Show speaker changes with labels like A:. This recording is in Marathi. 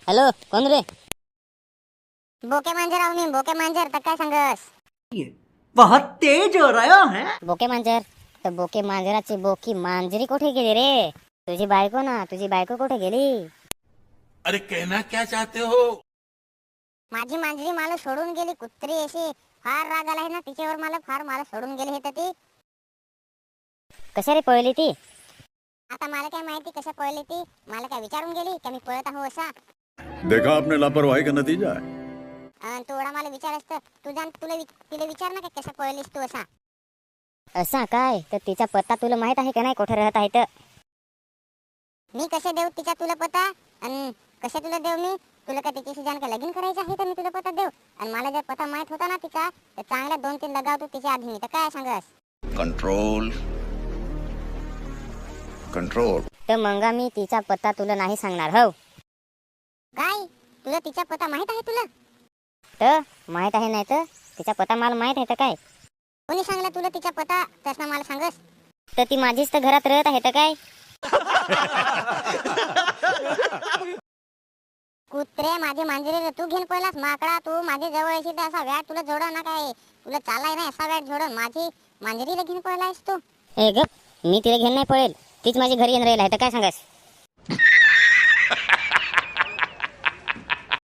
A: हॅलो, कोण रे?
B: बोके मांजर आहो मी, बोके मांजर. तर काय सांगस?
C: बहुत तेज हो रहा है.
A: बोके मांजर? तर बोके मांजराची बोकी मांजरी कुठे गेली रे? तुझी बायको ना, तुझी बायको कुठे गेली?
D: अरे कहना क्या चाहते हो?
B: माझी मांजरी मला सोडून गेली. कुत्री अशी फार राग आला आहे ना तिच्यावर मला सोडून गेली हे तर ती.
A: कशा रे पळली ती?
B: आता मला काय माहिती कसं पळली ती. मला काय विचारून गेली का मी पळत आहो असा?
E: देखा आपने लापरवाही का नतीजा है.
B: तू एवढा मला विचार असतं, तू जाण तिला विचार ना कसं पळलीस तू असा.
A: असा काय? तर तिचा पत्ता तुला माहित आहे का नाही कुठे राहत आहे तर?
B: मी कसे देऊ तिचा तुला पत्ता? आणि कसे तुला देऊ मी? तुला का तिच्याशी जाण का लगीन करायचं आहे तर मी तुला पत्ता देऊ? आणि मला जर पत्ता माहित होता ना तिचा तर चांगल्या 2-3 लगावतो तिच्या आधी मी. तर काय सांगस?
E: Control control.
A: तर मंगा मी तिचा पत्ता तुला नाही सांगणार. हो
B: काय तुला तिचा पत्ता माहित आहे तुला?
A: तर माहित आहे नाही तर तिचा पत्ता मला माहित आहे तर काय?
B: कोणी सांगला तुला तिचा पत्ता? तसं मला सांगस.
A: तर ती माझीच तर घरात राहत आहे तर काय?
B: कुत्रे माझी मांजरी तू घेऊन पळलास. माकडा तू माझ्या जवळ येशील तर असा व्याट तुला जोडा ना. काय तुला चालाय नाही असा व्याट जोडून माझी मांजरीला घेऊन पळलायस तू?
A: ए गप, मी तिला घेऊन नाही पळेल. तीच माझी घरी येऊन राहील आहे तर काय सांगस?